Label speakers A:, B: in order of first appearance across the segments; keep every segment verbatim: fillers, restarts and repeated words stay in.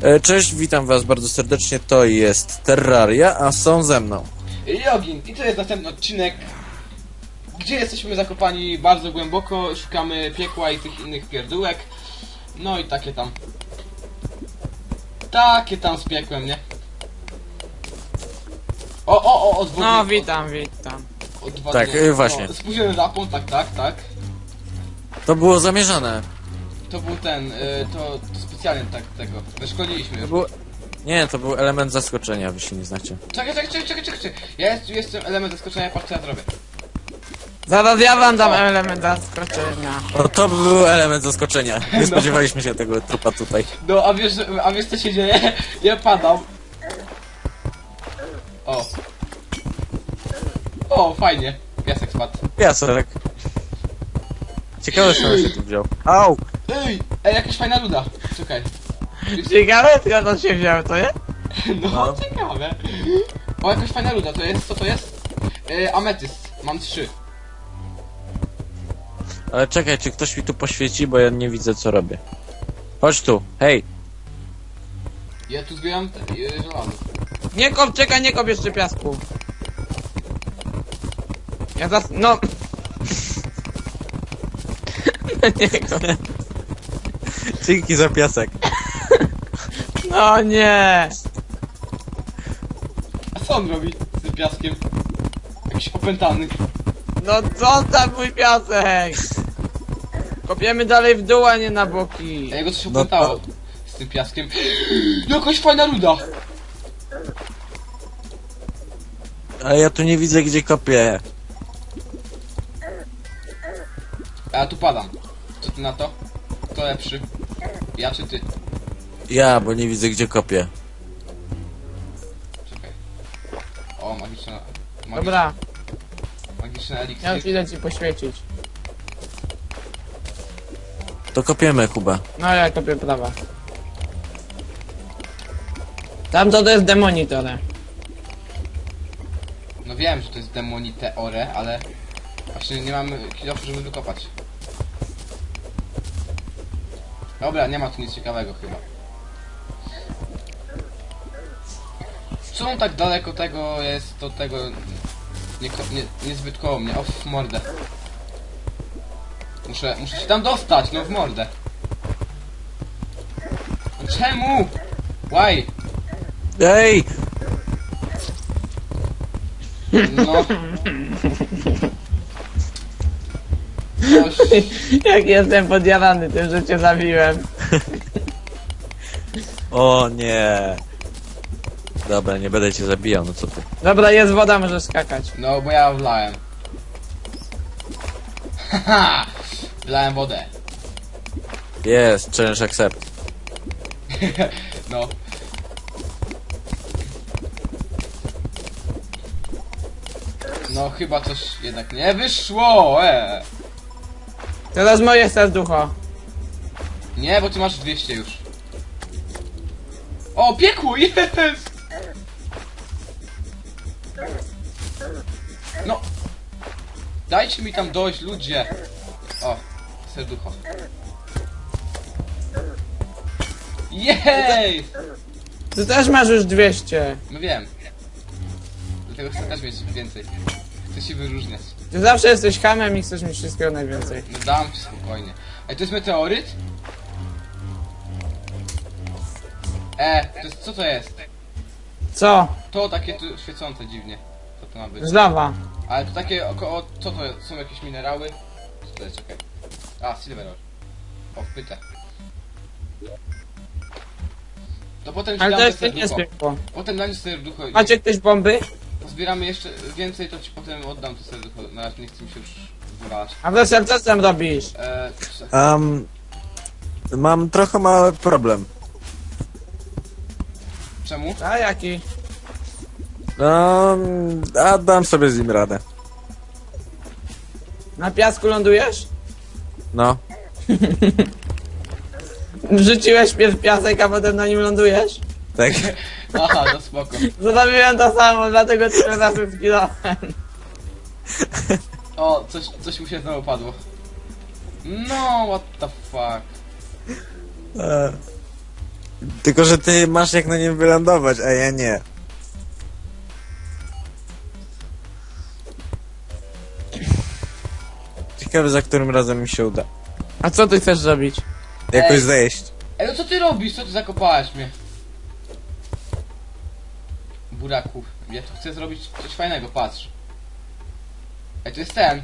A: E, Cześć, witam was bardzo serdecznie, to jest Terraria, a są ze mną.
B: Jogin, i to jest następny odcinek, gdzie jesteśmy zakopani bardzo głęboko, szukamy piekła i tych innych pierdółek. No i takie tam. Takie tam z piekłem, nie? O, o, o, odwodnik.
C: No, witam, witam.
B: Odwodnik.
A: Tak, y, właśnie.
B: No, spóźniony zapłon, tak, tak, tak.
A: To było zamierzone.
B: To był ten, y, to, to specjalnie tak tego, wyszkoliliśmy
A: To
B: już.
A: był... Nie, to był element zaskoczenia, wy się nie znacie.
B: Czekaj, czekaj, czekaj, czekaj, czekaj. Ja jest, jestem element zaskoczenia, patrz co ja zrobię.
C: Zaraz ja wam dam
B: O.
C: element zaskoczenia.
A: O, to był element zaskoczenia. Nie spodziewaliśmy się tego trupa tutaj.
B: No, a wiesz, a wiesz co się dzieje? Ja padam. O. O, fajnie. Piasek spadł.
A: Piasek. Ciekawe, skąd się tu wziął. Au!
B: Ej, ej, jakaś fajna luda. Czekaj.
C: Ciekawe, skąd on się wziął, to nie?
B: No,
A: No.
B: ciekawe. O, jakaś fajna luda, to jest, co to jest? E, ametyst. Mam trzy.
A: Ale czekaj, czy ktoś mi tu poświeci, bo ja nie widzę, co robię. Chodź tu, hej!
B: Ja tu zbieram te, e, żelazo.
C: Nie kop, czekaj, nie kop jeszcze piasku. Ja zas... no... nie kop.
A: Dzięki za piasek.
C: No nie.
B: A co on robi z tym piaskiem? Jakiś opętany.
C: No zostaw mój piasek. Kopiemy dalej w dół, a nie na boki.
B: A jego coś
A: No
B: opętało
A: to-
B: z tym piaskiem. Jakaś fajna luda.
A: Ale ja tu nie widzę, gdzie kopię.
B: A ja tu padam. Co ty na to? Kto lepszy? Ja czy ty?
A: Ja, bo nie widzę, gdzie kopię.
B: Czekaj. O, magiczna... Magiczna,
C: Dobra,
B: magiczny
C: ja już
B: eliksir.
C: idę ci poświecić.
A: To kopiemy, Kuba.
C: No ja kopię prawa. Tamto to jest demonitore.
B: No wiem, że to jest demoniteore, ale... Właśnie nie mamy kilofu, żeby wykopać. Dobra, nie ma tu nic ciekawego chyba. Co on tak daleko tego jest, to tego... Nie, ko- nie, niezbyt koło mnie, o w mordę. Muszę, muszę się tam dostać, no w mordę. No czemu? Why?
A: Ej!
B: No. Coś...
C: Jak jestem podjarany tym, że cię zabiłem.
A: O nie! Dobra, nie będę cię zabijał, no co ty.
C: Dobra, jest woda, możesz skakać.
B: No, bo ja wlałem. Haha! Wlałem wodę.
A: Jest, challenge accept.
B: No. No, chyba coś jednak nie wyszło, e.
C: Teraz moje serducho.
B: Nie, bo ty masz dwieście już. O, piekło, jest! No. Dajcie mi tam dojść, ludzie. O, serducho. Jej!
C: Ty też masz już dwieście.
B: No wiem. Dlatego chcę też mieć więcej. Chcę się wyróżniać.
C: Ty zawsze jesteś hamem i chcesz mieć wszystkiego najwięcej.
B: No dam ci spokojnie. Ej, to jest meteoryt? E, to jest, co to jest?
C: Co?
B: To takie tu świecące dziwnie. Co to ma być?
C: Żlawa.
B: Ale to takie około, co to jest? Są jakieś minerały? Co to jest? Czekaj. A, silver ore. O, wpytę. To potem ci
C: Ale
B: dam
C: to
B: te
C: jest nie
B: serducho.
C: zwykło.
B: Potem dam ci serducho i
C: Macie ktoś bomby?
B: zbieramy jeszcze więcej, to ci potem oddam to serducho. Na razie nie chcę mi się już wywalać.
C: A wreszcie co tam robisz?
B: E,
A: Um, mam trochę mały problem.
B: czemu?
C: A jaki?
A: Um, a dam sobie z nim radę.
C: Na piasku lądujesz?
A: No.
C: Wrzuciłeś pierw piasek, a potem na nim lądujesz?
A: Tak.
B: Aha, to spoko.
C: Zrobiłem to samo, dlatego tyle razy zginąłem.
B: O, coś, coś mu się znowu padło. No, what the fuck.
A: E, Tylko, że ty masz jak na nim wylądować, a ja nie. Ciekawe, za którym razem mi się uda.
C: A co ty chcesz zrobić?
A: Jakoś
B: Ej.
A: zejść.
B: Ej, no co ty robisz? Co ty zakopałeś mnie? Buraku. Ja tu chcę zrobić coś fajnego, patrz. Ej, to jest ten.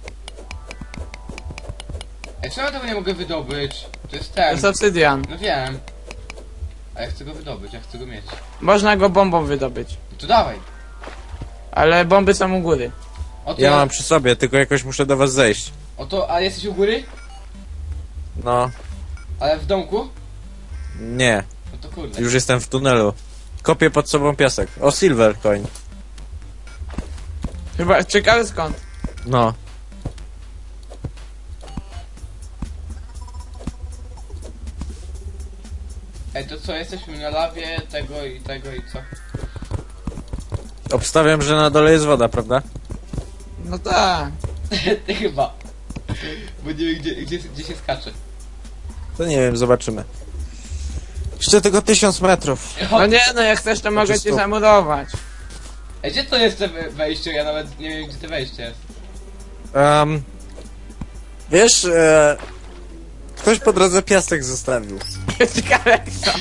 B: Ej, czemu ja tego nie mogę wydobyć? To jest
C: To
B: ten.
C: jest obsydian.
B: No wiem. A ja chcę go wydobyć, ja chcę go mieć.
C: Można go bombą wydobyć.
B: No to dawaj.
C: Ale bomby są u góry.
B: Oto,
A: Ja mam przy sobie, tylko jakoś muszę do was zejść.
B: oto, a jesteś u góry?
A: No,
B: Ale w domku?
A: nie.
B: No to kurde.
A: Już jestem w tunelu. Kopię pod sobą piasek. O, silver coin.
C: Chyba, ciekawe skąd.
A: No.
B: Ej, to co, jesteśmy na lawie tego i tego i co?
A: Obstawiam, że na dole jest woda, prawda?
C: No tak.
B: Ty chyba. Bo nie wiem gdzie, gdzie, gdzie się skacze.
A: To nie wiem, zobaczymy. Jeszcze tylko tysiąc metrów.
C: No nie, no jak chcesz to mogę
A: Znaczy
C: cię
A: stop.
C: zamurować.
B: Ej, gdzie to jest te we- wejście? Ja nawet nie wiem gdzie to wejście jest.
A: Um, wiesz, e, ktoś po drodze piasek zostawił.
C: Ciekawe kto.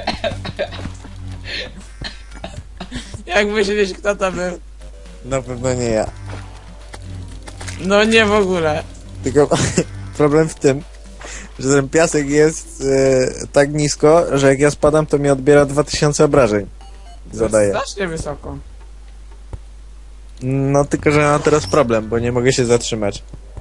C: Jak myślisz, kto to był?
A: Na pewno nie ja.
C: No nie w ogóle.
A: Tylko problem w tym, że ten piasek jest e, tak nisko, że jak ja spadam, to mi odbiera dwa tysiące obrażeń. Zadaję.
C: Strasznie wysoko.
A: No tylko, że mam teraz problem, bo nie mogę się zatrzymać.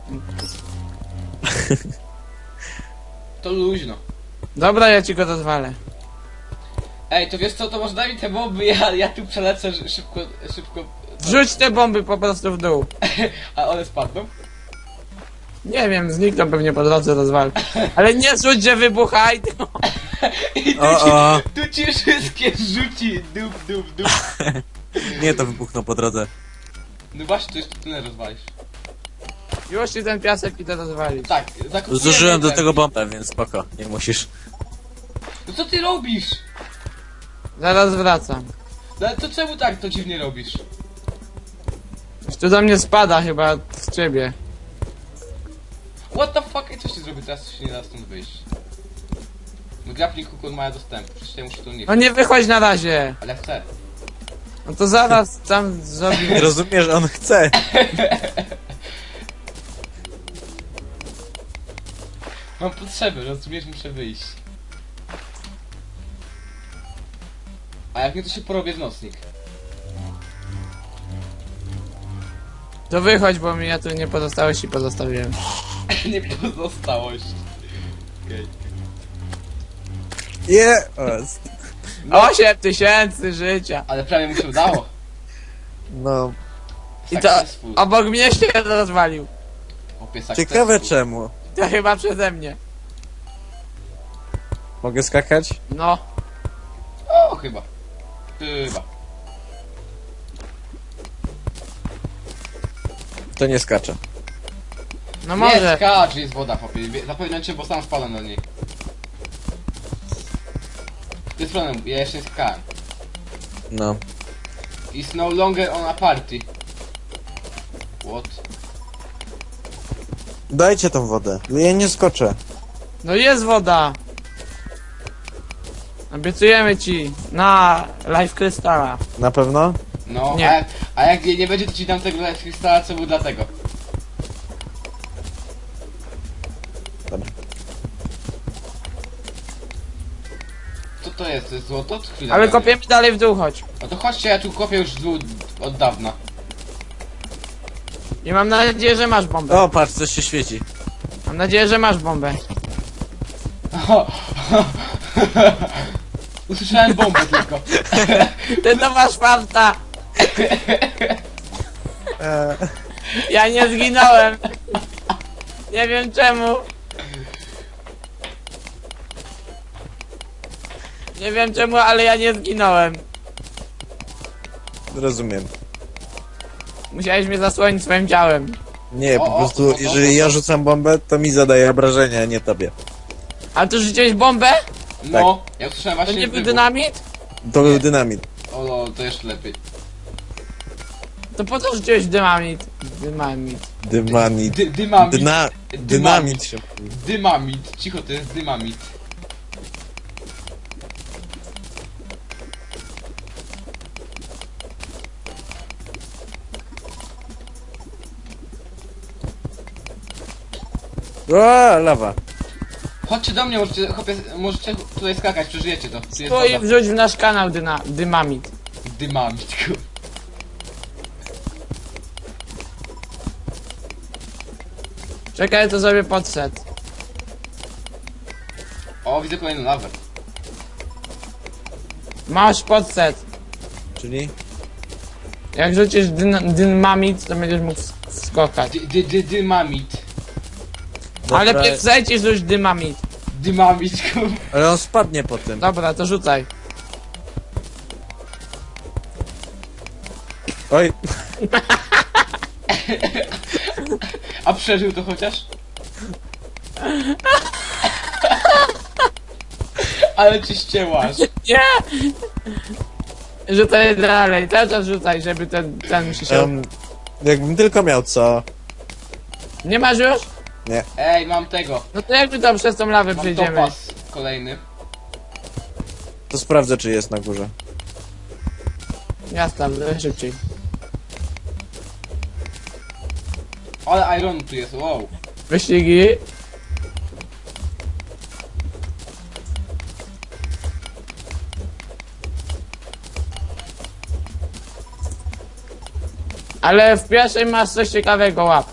B: To luźno.
C: Dobra, ja ci go rozwalę.
B: Ej, to wiesz co, to może daj mi te bomby, ja, ja tu przelecę ż- szybko, szybko.
C: Wrzuć te bomby po prostu w dół.
B: A one spadną?
C: Nie wiem, znikną pewnie po drodze rozwal. Ale nie rzuć, że wybuchaj, tylko...
B: I tu,
A: O,
B: ci,
A: o.
B: tu ci wszystkie rzuci, dup, dup, dup.
A: Nie, to wybuchną po drodze.
B: No właśnie, to jeszcze tyle rozwalisz.
C: Już ci ten piasek idę rozwalić.
B: Tak, zakupiłem.
A: Zużyłem do
B: ten.
A: tego bombę, więc spoko, nie musisz.
B: No co ty robisz?
C: Zaraz wracam.
B: No ale to czemu tak to dziwnie robisz?
C: Już tu do mnie spada chyba z ciebie.
B: What the fuck? Ej, co się zrobi teraz, co się nie da stąd wyjść? No grappling hook on ma dostęp, przecież ja muszę to nie
C: No nie wychodź na razie.
B: Ale chcę.
C: No to zaraz tam
A: Nie
C: zrobimy.
A: rozumiesz, on chce.
B: Mam potrzeby, rozumiesz, muszę wyjść. A jak nie, to się porobię w nocnik.
C: To wychodź, bo mi ja tu nie pozostałości pozostawiłem.
B: Nie pozostałość. Okej.
A: Je!
C: Osiem tysięcy życia.
B: Ale prawie mu się udało.
A: No,
C: I to
B: Successful.
C: obok mnie się rozwalił.
B: Opie, successful.
A: ciekawe czemu.
C: To chyba przeze mnie.
A: Mogę skakać?
C: No.
B: O, chyba. Chyba.
A: To nie skaczę.
C: No
B: Nie
C: może.
B: skacz, jest woda, chłopie. Zapewniam cię, bo sam spadam do niej. To jest problem, ja jeszcze nie skakałem.
A: No.
B: It's no longer on a party. What?
A: Dajcie tą wodę. Ja nie skoczę.
C: No jest woda. Obiecujemy ci. Na live krystala.
A: Na pewno?
B: No,
C: Nie.
B: A, jak, a jak jej nie będzie, to ci dam tego krystala, co był dlatego.
A: Dobra.
B: Co to jest? To jest złoto? To chwila.
C: Ale
B: będzie.
C: kopiemy dalej w dół, chodź.
B: No to chodźcie, ja tu kopię już z dół od dawna.
C: I mam nadzieję, że masz bombę.
A: O, patrz, coś się świeci.
C: Mam nadzieję, że masz bombę.
B: Usłyszałem bombę tylko.
C: Ty to masz farta. Ja nie zginąłem. Nie wiem czemu. Nie wiem czemu, ale ja nie zginąłem.
A: Rozumiem.
C: Musiałeś mnie zasłonić swoim ciałem.
A: Nie,
B: O,
A: po
B: o,
A: prostu,
B: o, o,
A: jeżeli
B: o,
A: ja
B: o.
A: rzucam bombę, to mi zadaje obrażenia, a nie tobie.
C: A tu rzuciłeś bombę?
B: No, ja usłyszałem
C: To
B: właśnie
C: nie był
B: wybuch.
C: dynamit?
A: To był dynamit.
B: O, no, to jeszcze lepiej.
C: To po co rzuciłeś dynamit? Dynamit.
A: Dynamit.
B: Dy, dymamit.
A: Dyna... Dynamit się...
B: Dymamit. Cicho, to jest dymamit.
A: O, lawa.
B: Chodźcie do mnie, możecie, chłopie, możecie tutaj skakać, przeżyjecie to. Tu jest
C: Stój i
B: woda.
C: wrzuć w nasz kanał dyna dynamit.
B: Dymamit, kur...
C: Czekaj, to sobie podset.
B: O, widzę kolejną lawę.
C: Masz podset.
A: Czyli?
C: Jak rzucisz dyn dynamit, to będziesz mógł sk- skokać.
B: Dy, dy, dy, dymamit.
C: Ale
A: Dobra,
C: pierw zejdź i rzuć dynamit.
B: Dymamit, kur...
A: ale on spadnie po tym.
C: Dobra, to rzucaj.
A: Oj,
B: A przeżył to chociaż? Ale ci ścięłaś.
C: Nie! Rzucaj dalej, cały czas rzucaj, żeby ten, ten się się...
A: um, jakbym tylko miał co.
C: Nie masz już?
A: Nie.
B: Ej, mam tego.
C: No to jak my tam przez tą lawę
B: Mam
C: przejdziemy?
B: topas kolejny.
A: To sprawdzę, czy jest na górze.
C: Jasne, szybciej.
B: Ale iron tu jest, wow.
C: Wyścigi. Ale w pierwszej masz coś ciekawego, łap.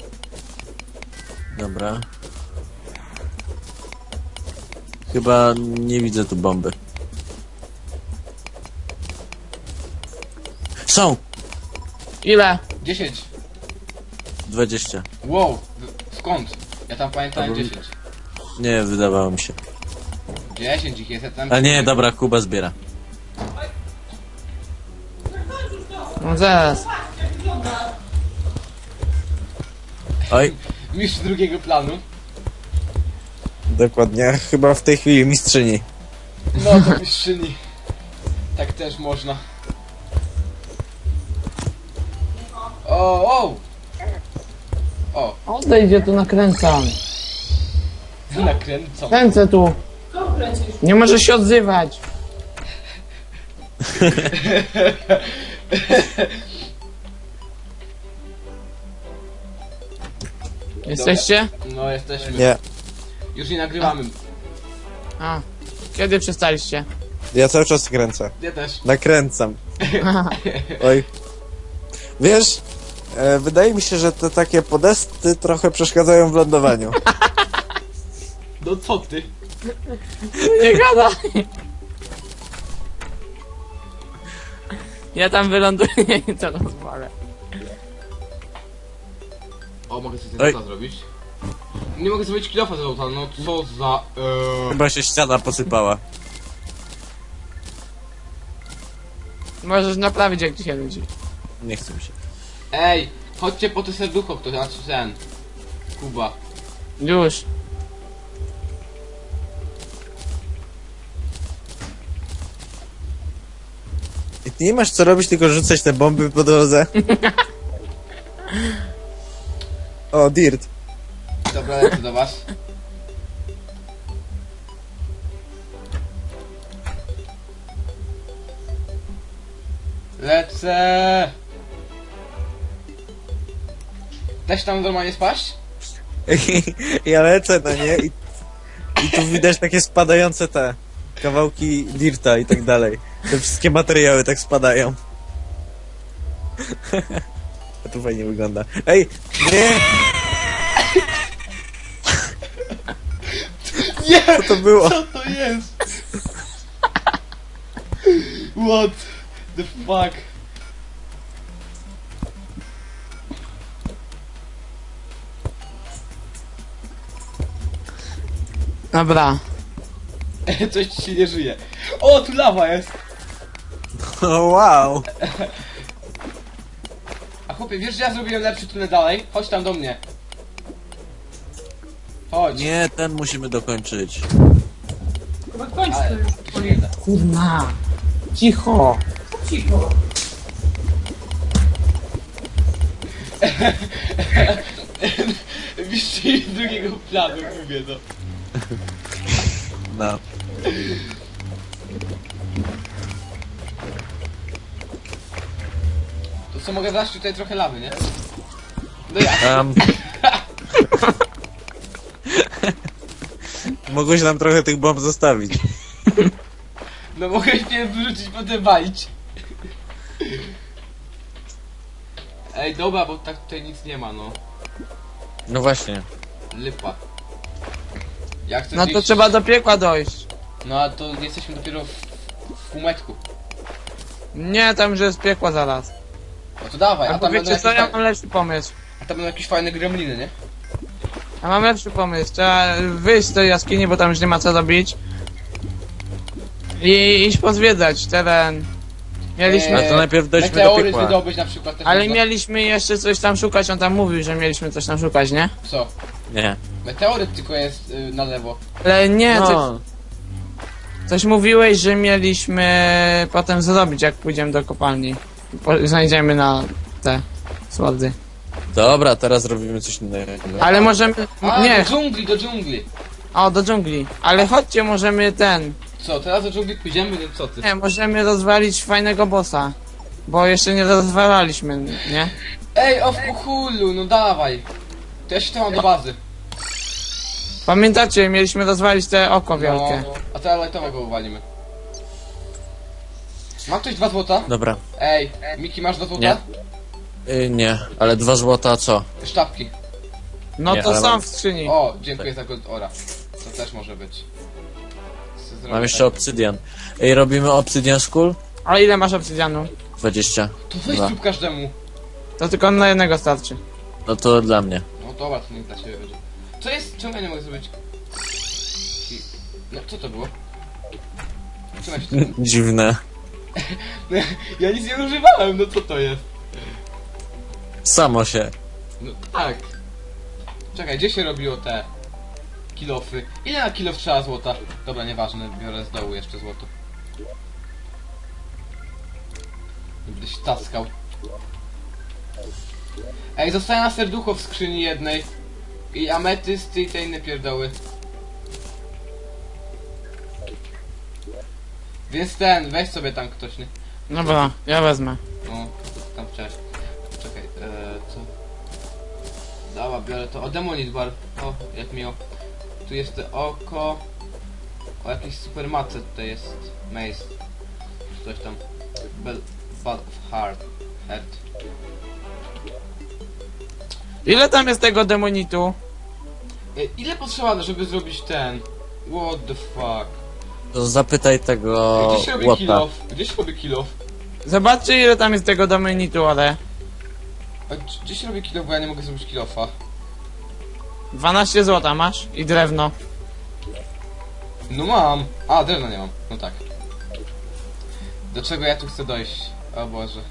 A: Dobra. Chyba nie widzę tu bomby. Są!
C: Ile?
B: dziesięć.
A: dwadzieścia.
B: Wow. w- Skąd? Ja tam pamiętałem
A: Albo-
B: dziesięć.
A: Nie, wydawało mi się.
B: dziesięć ich jest, ja tam...
A: A nie, dobra, Kuba zbiera.
C: No zaraz.
A: Oj.
B: Mistrz drugiego planu.
A: Dokładnie, chyba w tej chwili mistrzyni.
B: No to mistrzyni. Tak też można. O, o! O,
C: Odejdź, ja tu nakręcam.
B: nakręcam.
C: Kręcę tu. Nie możesz się odzywać. Jesteście?
B: No jesteśmy.
A: Nie,
B: Już nie nagrywamy.
C: A. Kiedy przestaliście?
A: ja cały czas kręcę.
B: Ja też.
A: Nakręcam. Oj. Wiesz, e, wydaje mi się, że te takie podesty trochę przeszkadzają w lądowaniu.
B: No co ty?
C: Nie gadaj. Ja tam wyląduję i to rozwalę.
B: O, mogę sobie
A: Oj.
B: ten zrobić? Nie mogę zrobić kilofa z auta, no co za... Eee...
A: Chyba się ściana posypała.
C: Możesz naprawić, jak ci się nudzi.
A: Nie chce mi się.
B: Ej, chodźcie po te serducho, kto znaczy ten. Kuba.
C: Już.
A: I ty nie masz co robić, tylko rzucać te bomby po drodze. O, Dirt.
B: Dobra, lecę do was. Lecę! Też tam normalnie spaść?
A: Ja lecę na nie i, i tu widać takie spadające te kawałki dirta i tak dalej. Te wszystkie materiały tak spadają. A tu fajnie wygląda. Ej, nie!
B: Nie!
A: Co to było?
B: Co to jest? What the fuck?
C: Dobra.
B: Coś ci się nie żyje. O, tu lawa jest!
A: O, wow!
B: A chłopie, wiesz, że ja zrobiłem lepszy tunel dalej? Chodź tam do mnie. Chodź.
A: Nie, ten musimy dokończyć.
D: Chodź
B: Ale-
D: tu, Oli.
C: Kurna. Cicho.
D: Cicho.
B: Wiszcie drugiego planu, mówię to.
A: No.
B: To co, mogę dać tutaj trochę lawy, nie? No ja.
A: Um. Mogłeś nam trochę tych bomb zostawić.
B: No mogę się wyrzucić, potem walić. Ej, dobra, bo tak tutaj nic nie ma, no.
A: No właśnie.
B: Lipa. Jak chcesz
C: No to
B: iść?
C: trzeba do piekła dojść.
B: No a to jesteśmy dopiero w, w półmetku.
C: Nie, tam już jest piekła zaraz.
B: No to dawaj, a
C: A
B: tam, będą
C: wiecie
B: jakieś,
C: co, ja
B: faj...
C: mam lepszy pomysł.
B: a tam będą jakieś fajne gremliny, nie?
C: Ja mam lepszy pomysł. Trzeba wyjść z tej jaskini, bo tam już nie ma co robić. I iść pozwiedzać teren. Mieliśmy...
A: A to najpierw dojdźmy do
B: Meteoryt
A: piekła.
B: wydobyć na przykład też
C: Ale
B: można.
C: mieliśmy jeszcze coś tam szukać, on tam mówił, że mieliśmy coś tam szukać, nie?
B: Co?
A: Nie.
B: Meteoryt tylko jest y, na lewo.
C: Ale nie, coś,
A: No.
C: coś mówiłeś, że mieliśmy potem zrobić, jak pójdziemy do kopalni. Po, znajdziemy na te słody.
A: Dobra, teraz robimy coś innego.
C: Ale możemy...
B: A,
C: Nie,
B: do dżungli, do dżungli.
C: o, do dżungli. Ale chodźcie, możemy ten...
B: Co, teraz do dżungli pójdziemy? No co ty?
C: Nie, możemy rozwalić fajnego bossa. Bo jeszcze nie rozwalaliśmy, nie?
B: Ej, o w kuchulu, no dawaj. To ja się tam mam do bazy.
C: Pamiętacie, mieliśmy rozwalić te oko wielkie.
B: No, a teraz lightowego uwalimy. Ma ktoś dwa złota?
A: Dobra.
B: Ej, Miki, masz dwa złota?
A: Nie. Y, nie, ale dwa złota co?
B: Sztabki.
C: No
A: Nie,
C: to
A: ale
C: są
A: mam-
C: w skrzyni.
B: O, dziękuję za gold ora. To też może być. Co zrobię
A: Mam jeszcze
B: tak?
A: obsydian. Ej, robimy obsydian school?
C: A ile masz obsydianu?
A: dwadzieścia.
B: To weź
A: Dwa.
B: zrób każdemu.
C: To tylko na jednego starczy.
A: No to dla mnie.
B: No dobra, to nie dla ciebie będzie. Co jest? Czemu ja nie mogę zrobić? I- No, co to było? Czemu ja się to...
A: Dziwne.
B: Ja nic nie używałem, no co to jest?
A: Samo się.
B: No tak. Czekaj, gdzie się robiło te kilofy? Ile na kilof trzeba złota? Dobra, nieważne, biorę z dołu jeszcze złoto. Gdyś taskał. Ej, zostaje na serducho w skrzyni jednej. I ametysty i te inne pierdoły. Więc ten, weź sobie tam ktoś, nie?
C: Dobra, ja wezmę.
B: No, to ty tam chciałeś. Czekaj, eee, co? Dobra, biorę to. O, Demonit Bar. O, jak miło. Tu jest to oko. O, jakieś super mace tutaj jest. Maze. Czy coś tam. Bell, Bud of Heart. Heart.
C: Ile tam jest tego demonitu?
B: E, ile potrzeba, żeby zrobić ten? What the fuck?
A: To zapytaj tego
B: Gdzie się robi
A: łota.
B: kill-off? Gdzie się robi kill-off?
C: Zobaczcie ile tam jest tego demonitu, ale...
B: A g- Gdzie się robi kill-off, bo ja nie mogę zrobić kill-offa?
C: dwanaście złota masz i drewno.
B: No mam. A, drewna nie mam. No tak. Do czego ja tu chcę dojść? O Boże.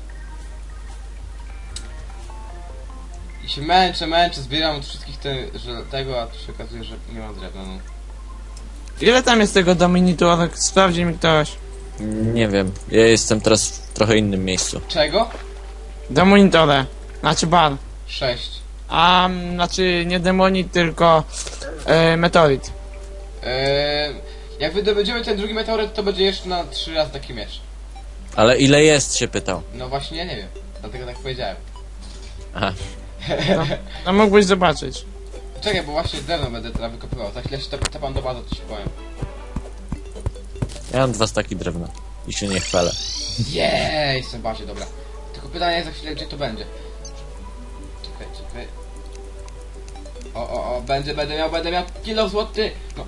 B: I się męczę, męczę, zbieram od wszystkich te, że tego, a tu się okazuje, że nie mam drewna, no.
C: Ile tam jest tego demonitu, ale sprawdzi mi ktoś.
A: Nie wiem. Ja jestem teraz w trochę innym miejscu.
B: Czego?
C: Demonitore. Znaczy bar.
B: Sześć.
C: A, mm, znaczy nie demonit, tylko... E, meteorit.
B: Eee, jak wydobędziemy ten drugi meteoryt, to będzie jeszcze na trzy razy taki miecz.
A: Ale ile jest, się pytał.
B: No właśnie, ja nie wiem. Dlatego tak powiedziałem.
A: Aha.
C: No mógłbyś zobaczyć.
B: Czekaj, bo właśnie drewno będę teraz wykopywał. Za chwilę się tep- tepam do bazy, to ci powiem.
A: Ja mam dwa staki drewna. I się nie chwalę.
B: Jej, jestem bazie, dobra. Tylko pytanie za chwilę, gdzie to będzie. Czekaj, czekaj. O, o, o, będzie, będę miał, będę miał kilo złoty. No.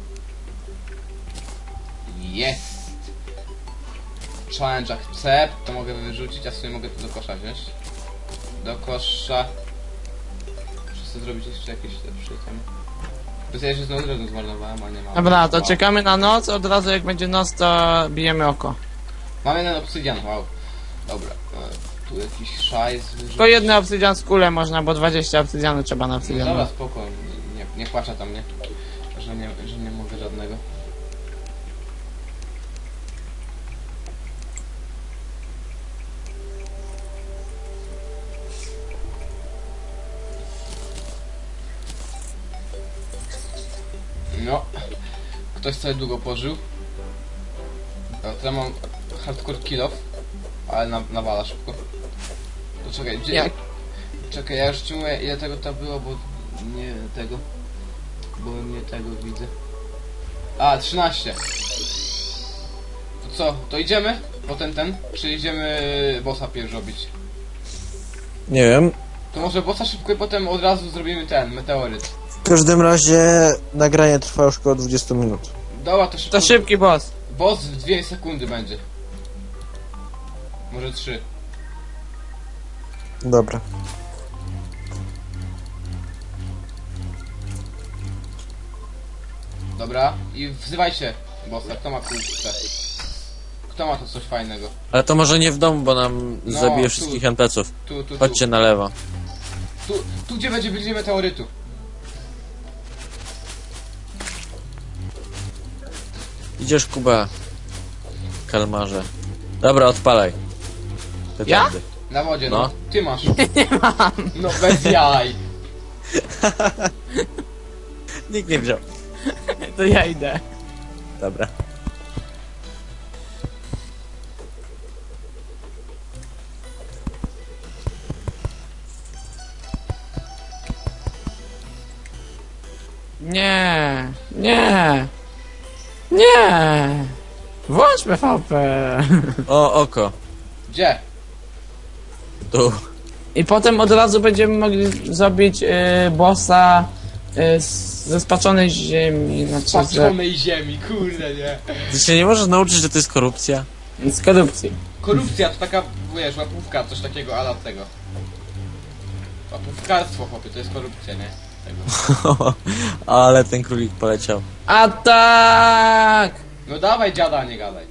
B: Jest. Challenge accept, to mogę wyrzucić, a sobie mogę to do kosza wziąć. Do kosza. Muszę sobie zrobić jeszcze jakieś lepsze tam. Bo ja się znowu drewno zmarnowałem, a nie mam.
C: Dobra, to
B: Wow.
C: czekamy na noc, od razu jak będzie noc, to bijemy oko.
B: Mam jeden obsydian, wow. Dobra, e, tu jakiś szajs wyrzucić.
C: Tylko jedny obsydian z kulę można, bo dwadzieścia obsydianu trzeba na
B: No
C: obsydian.
B: dobra, spoko, nie, nie płaczę tam, nie? Że nie, że nie mogę żadnego. No. Ktoś sobie długo pożył. Ja teraz mam hardcore kill off, ale na, nawala szybko. To czekaj, gdzie...
C: Jak?
B: Czekaj, ja już ci mówię ile tego tam było, bo nie tego. Bo nie tego widzę. A, trzynaście. To co, to idziemy? Potem ten? Czy idziemy bossa pierw robić?
A: Nie wiem.
B: To może bossa szybko i potem od razu zrobimy ten, meteoryt.
A: W każdym razie nagranie trwa już około dwadzieścia minut.
B: Dobra, to szybko.
C: To szybki boss.
B: Boss w dwie sekundy będzie. Może trzy.
A: Dobra.
B: Dobra, i wzywajcie bossa, kto ma kurczę. Kto ma tu coś fajnego?
A: Ale to może nie w domu, bo nam
B: No,
A: zabije
B: tu.
A: wszystkich en pe ców.
B: Tu, tu, tu.
A: Chodźcie na lewo.
B: Tu, tu gdzie będzie bliżej meteorytu.
A: Idziesz, Kuba. Kalmarze. Dobra, odpalaj.
C: Ja?
A: Petardy.
B: Na wodzie, no.
A: No.
B: Ty masz. Nie mam. No bez jaj.
A: Nikt nie wziął.
C: To ja idę.
A: Dobra.
C: Nie, nie, nie. Włącz P V P.
A: O, oko.
B: Gdzie?
A: Tu.
C: I potem od razu będziemy mogli zrobić y, bossa y, z- ze spaczonej ziemi, znaczy z,
B: Patrzonej ziemi, kurde nie.
A: Ty się nie możesz nauczyć, że to jest korupcja?
C: z korupcji.
B: Korupcja to taka, wiesz, łapówka, coś takiego, ala tego. Łapówkarstwo, chłopie, to jest korupcja, nie? Tego.
A: Ale ten królik poleciał.
C: Atak!
B: No dawaj dziada, nie gadaj.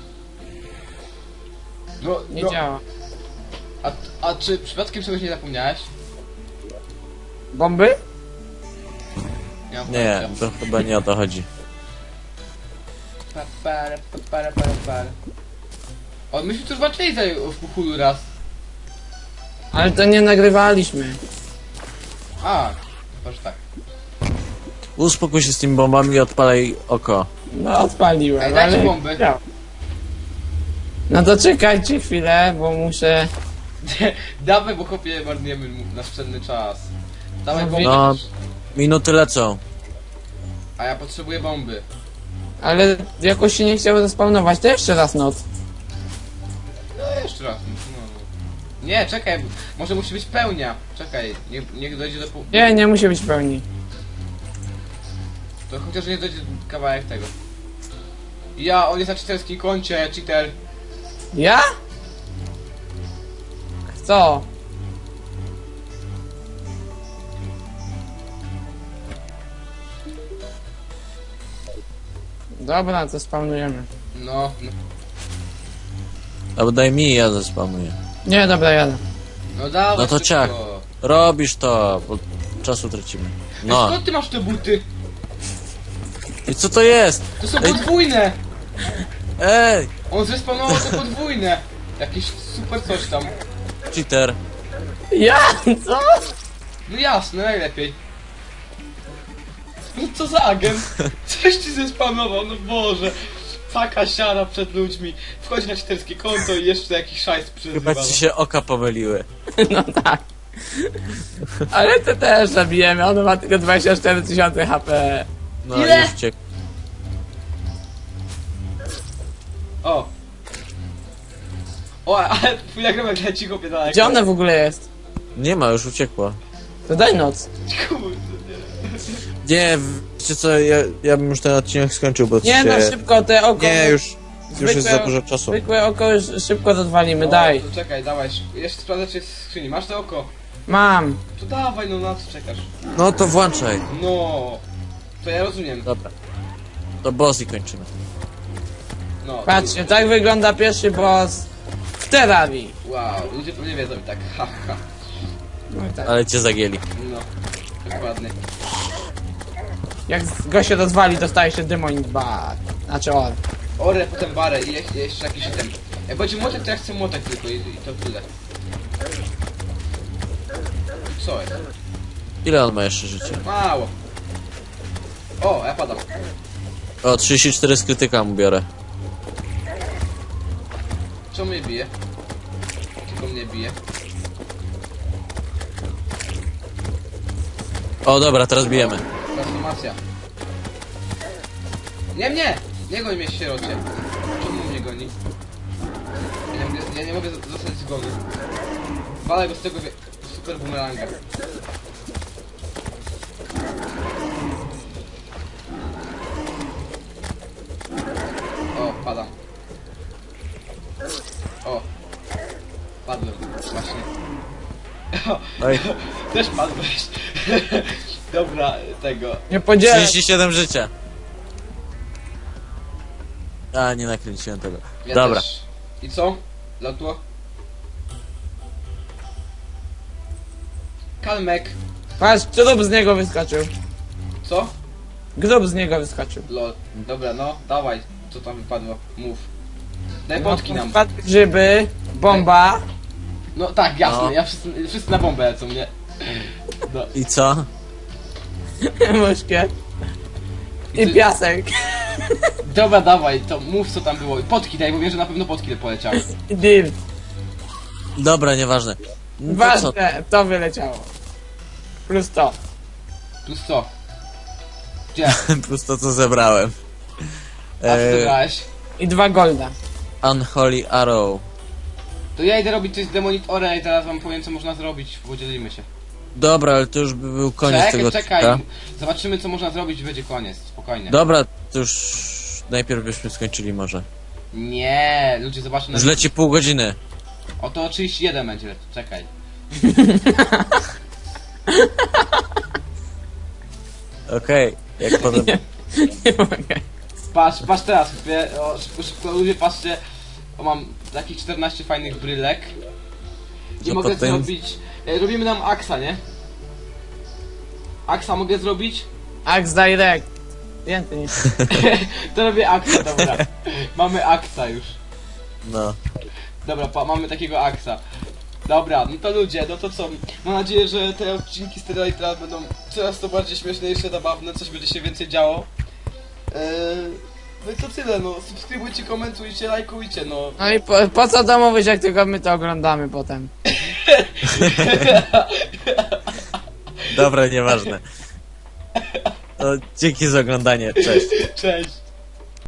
B: No,
C: Nie
B: no.
C: działa.
B: A, a czy przypadkiem czegoś nie zapomniałeś?
C: Bomby?
B: mam
A: Nie,
B: pojęcia.
A: to chyba nie o to chodzi.
B: Pa, para, pa, para, para, para. O, myśmy tu już walczyli tutaj w Kuchulu raz.
C: Ale to nie nagrywaliśmy.
B: A, chyba że tak.
A: Uspokój się z tymi bombami i odpalaj oko.
C: No odpaliłem,
B: Ej, dajcie
C: ale...
B: bomby.
C: działa. No to czekajcie chwilę, bo muszę...
B: Dawaj, bo chłopie marnujemy mu- nasz cenny czas. Dawaj
C: No,
B: bomby.
A: no. Minuty lecą.
B: A ja potrzebuję bomby.
C: Ale jakoś się nie chciało zespawnować, to jeszcze raz noc.
B: No jeszcze raz. No. Nie, czekaj, może musi być pełnia. Czekaj, niech, niech dojdzie do pół...
C: Nie, nie musi być pełni.
B: To chociaż nie dojdzie kawałek tego. Ja, on jest na cheaterskim koncie, cheater.
C: Ja? Co? Dobra, to spawnujemy.
B: No, no,
A: Albo daj mi, ja zespamuję.
C: Nie, dobra, jadę.
B: no dawaj
A: No to
B: szybko.
A: ciach. Robisz to, bo czasu tracimy.
B: Ej,
A: No.
B: skąd ty masz te buty?
A: I co to jest?
B: To są
A: Ej.
B: podwójne!
A: Ej!
B: On zespawnował te podwójne! Jakieś super coś tam.
A: Cheater.
C: Ja? Co?
B: No jasne, najlepiej. No co za agent? Coś ci zespawnował, no Boże. Taka siara przed ludźmi. Wchodzi na cheaterskie konto i jeszcze jakiś szajs przyzywa.
A: Chyba ci się oka pomyliły.
C: No tak. Ale ty też zabijemy, on ma tylko dwadzieścia cztery tysiące H P.
A: No
B: Ile?
A: już cię.
B: O! O, ale twój nagrywek leci chłopie daleko.
C: Gdzie ona w ogóle jest?
A: Nie ma, już uciekła.
C: To daj noc.
B: Kurde, nie.
A: Nie, wiecie co, ja, ja bym już ten odcinek skończył, bo
C: Nie
A: się...
C: no, szybko te oko.
A: Nie, już, już jest za
C: Zwykłe-
A: dużo czasu.
C: Zwykłe oko już szybko rozwalimy,
B: O,
C: daj.
B: to czekaj, dawaj. szybko. Jeszcze sprawdzę czy jest w skrzyni. Masz to oko?
C: Mam.
B: To dawaj, no na co czekasz?
A: No to włączaj.
B: No. To ja rozumiem.
A: Dobra. To boss i kończymy.
B: No.
C: Patrzcie, tak wygląda pierwszy boss w Terrarii.
B: Wow, ludzie pewnie wiedzą i tak, ha, ha.
C: No i tak.
A: Ale cię zagięli.
B: No. Dokładnie.
C: Jak go się rozwali, dostaje się Demon Bar. Znaczy on.
B: Orę, potem barę i je- jeszcze jakiś item. Jak będzie młotek, to ja chcę młotek tylko i, i to tyle. Co jest?
A: Ile on ma jeszcze życia?
B: Mało. O, ja padam.
A: O, trzydzieści cztery z krytyka mu biorę.
B: Czemu mnie bije? Tylko mnie bije.
A: O, dobra, teraz bijemy.
B: Transformacja. Nie mnie! Nie goń mnie, sierocie. Czemu mnie goni? Ja nie mogę, ja nie mogę z- zostać z głowy. Walę go z tego wie- super bumeranga. O, padam. O. Padłem, właśnie. O,
A: Oj,
B: też padłeś. Dobra, tego.
C: Nie podzielę.
A: trzydzieści siedem życia. A, nie nakręciłem tego.
B: Ja
A: Dobra.
B: Też. I co? Latło? Kalmek.
C: Patrz, grób z niego wyskoczył.
B: Co?
C: Grób z niego wyskoczył.
B: Lol. Dobra, no, dawaj. Co tam wypadło? Mów. Daj potki nam.
C: Wpadły grzyby, bomba.
B: No tak, jasne,
A: No.
B: ja wszyscy, wszyscy na bombę lecą, nie? No.
A: I co?
C: Muszkiet. I
B: Ty-
C: piasek.
B: Dobra, dawaj, to mów co tam było. Potki daj, bo wiem, że na pewno potki poleciały.
C: I dirt.
A: Dobra, nieważne. No to co?
C: Ważne, to wyleciało. Plus to.
B: Plus co? Gdzie?
A: Plus to, co zebrałem.
B: A co
A: Eee,
B: zebrałeś?
C: I dwa golda.
A: Unholy Arrow.
B: To ja idę robić coś z Demonit Ore i teraz wam powiem co można zrobić, podzielimy się.
A: Dobra, ale to już by był koniec
B: czekaj,
A: tego
B: czekaj,
A: odcinka.
B: zobaczymy co można zrobić i będzie koniec, spokojnie.
A: Dobra, to już najpierw byśmy skończyli może.
B: Nie, ludzie zobaczą na...
A: Już leci pół godziny.
B: Oto trzydzieści jeden będzie, czekaj.
A: Okej, jak potem...
C: Nie mogę.
B: Patrz, patrz teraz, wie, o, szybko, szybko ludzie, patrzcie. O, mam takich czternaście fajnych brylek. I
A: To
B: mogę
A: potem-
B: zrobić... E, robimy nam aksa, nie? Aksa mogę zrobić?
C: Axe Direct. Więcej niż.
B: To robię aksa, dobra. Mamy aksa już.
A: No.
B: Dobra, pa, mamy takiego aksa. Dobra, no to ludzie, no to co? Mam nadzieję, że te odcinki z Terrarii teraz będą coraz to bardziej śmieszniejsze, zabawne, coś będzie się więcej działo. Eee, no i to tyle, no. Subskrybujcie, komentujcie, lajkujcie, no.
C: No i po, po co to mówić, jak tylko my to oglądamy potem?
A: Dobra, nieważne. To dzięki za oglądanie, cześć.
B: Cześć.